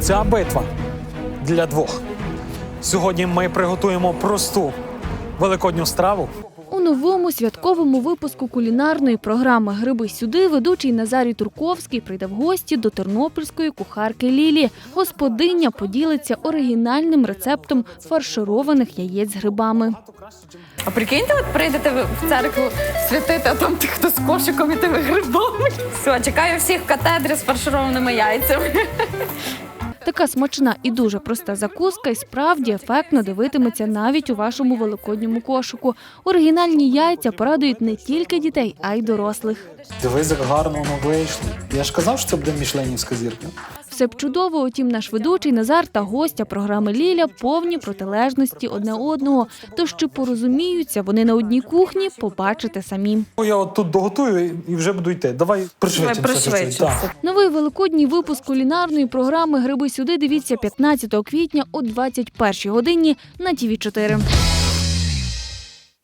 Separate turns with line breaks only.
Ця битва для двох. Сьогодні ми приготуємо просту великодню страву.
У новому святковому випуску кулінарної програми «Гриби сюди» ведучий Назарій Турковський прийде в гості до тернопільської кухарки Лілі. Господиня поділиться оригінальним рецептом фаршированих яєць з грибами.
А прикиньте, от прийдете ви в церкву святити, а там ті, хто з кошиком і тими грибами. Все, чекаю всіх в катедрі з фаршированими яйцями.
Така смачна і дуже проста закуска і справді ефектно дивитиметься навіть у вашому великодньому кошику. Оригінальні яйця порадують не тільки дітей, а й дорослих.
Дивись, як гарно воно вийшло. Я ж казав, що це буде мішленівська зірка.
Все б чудово, утім наш ведучий Назар та гостя програми Ліля повні протилежності одне одного. Тож чи порозуміються вони на одній кухні, побачите самі.
Я от тут доготую і вже буду йти. Давай пришвидшимося. Так.
Новий великодній випуск кулінарної програми «Гриби сюди» дивіться 15 квітня о 21 годині на ТВ4.